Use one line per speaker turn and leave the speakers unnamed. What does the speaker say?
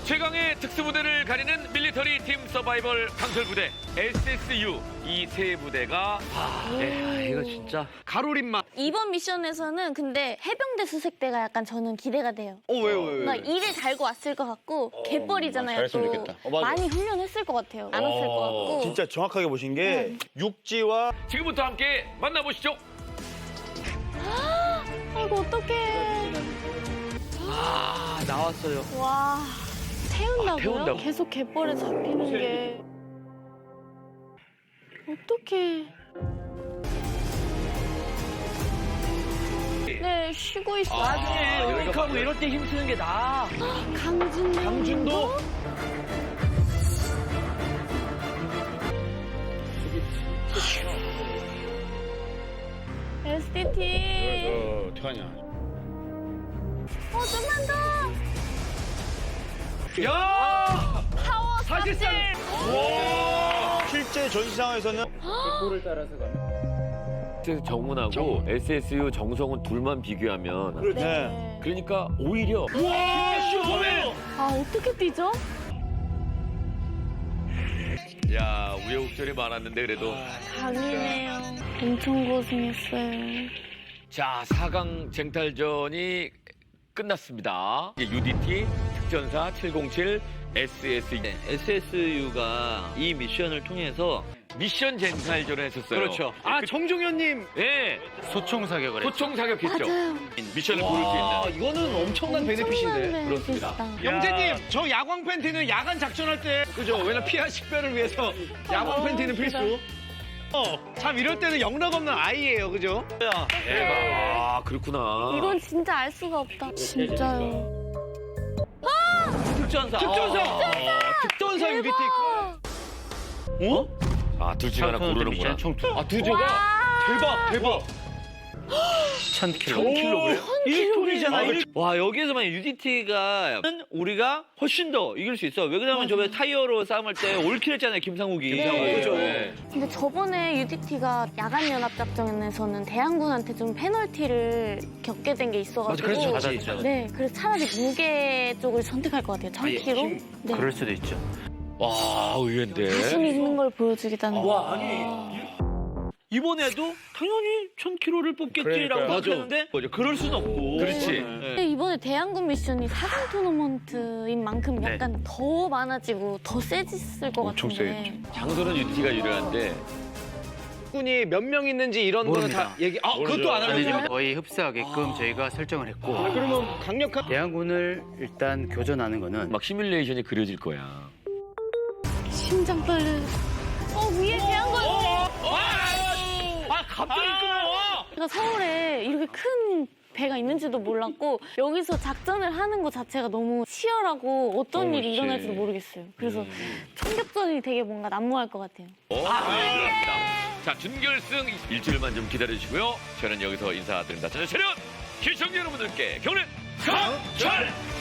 최강의 특수부대를 가리는 밀리터리 팀 서바이벌 강철부대 SSU 이 세 부대가
이거 진짜 가로림막.
이번 미션에서는 근데 해병대 수색대가 약간 저는 기대가 돼요.
왜요?
뭔가 일을 잘고 왔을 것 같고 갯벌이잖아요.
잘했으면
또
좋겠다.
맞아.
많이 훈련했을 것 같아요. 안 왔을 것 같고.
진짜 정확하게 보신 게 육지와
지금부터 함께 만나보시죠.
아이고 어떡해.
나왔어요.
와 태운다고요?
태운다고.
계속 갯벌에 잡히는 게 어떡해. 네 쉬고 있어.
여기하고 이럴 때 힘쓰는 게 나아.
강준도? SDT.
어떡하냐.
좀만 더.
야!
파워
사실상
실제 전시 상황에서는
정훈하고 SSU 정성훈 둘만 비교하면
네.
그러니까 오히려
아 어떻게 뛰죠?
야 우여곡절이 많았는데 그래도
강이네요. 엄청 고생했어요.
자 4강 쟁탈전이 끝났습니다. UDT 특전사 707 SSU
SSU가 이 미션을 통해서
미션 쟁탈전을 했었어요.
그렇죠. 아 정종현님
예,
소총 사격을
소총 사격했죠.
맞아요.
미션을 고를 수 있는.
이거는 엄청난 베네핏인데.
그렇습니다.
영재님 저 야광 팬티는 야간 작전할 때 그죠? 왜냐면 피하 식별을 위해서 야광 팬티는 필수. 참 이럴 때는 영락 없는 아이예요, 그죠?
아 그렇구나.
이건 진짜 알 수가 없다. 진짜요.
특전사. 특전사 UDT. 어?
아 둘 중에 하나 고르는구나.
두 개가 대박.
1000kg.
1톤이잖아. 와 여기에서만 UDT가 우리가 훨씬 더 이길 수 있어. 왜 그러냐면 저번에 타이어로 싸움할 때 올킬 했잖아요, 김상욱이. 그죠?
네.
근데 저번에 UDT가 야간연합작전에서는 대항군한테 좀 페널티를 겪게 된 게 있어가지고.
맞아, 그래서 졌지.
네, 그래서 차라리 무게 쪽을 선택할 것 같아요. 1000kg. 네.
그럴 수도 있죠.
와 의외인데.
자신 있는 걸 보여주겠다는 거.
와, 아니. 이번에도 당연히 1000kg를 뽑겠지라고
그러니까요.
생각했는데 그럴 순 없고.
그렇지.
근데 이번에 대항군 미션이 4강 토너먼트인 만큼 약간 더 많아지고 더 세졌을 것
엄청
같은데.
장소는 UDT가 유리한데.
군이 몇 명 있는지 이런 거는 다 얘기. 그것도 안
아니죠.
알려줘.
거의 흡사하게끔 저희가 설정을 했고
그러면 강력한
대항군을 일단 교전하는 거는
막 시뮬레이션이 그려질 거야.
심장 떨려요. 위에 대항군.
갑자기 끊어.
제가 서울에 이렇게 큰 배가 있는지도 몰랐고 여기서 작전을 하는 것 자체가 너무 치열하고 어떤 일이 일어날지도 모르겠어요. 그래서 총격전이 되게 뭔가 난무할 것 같아요.
그렇습니다. 자 준결승 일주일만 좀 기다려주시고요. 저는 여기서 인사드립니다. 자, 차렷! 시청자 여러분들께 경례 강철!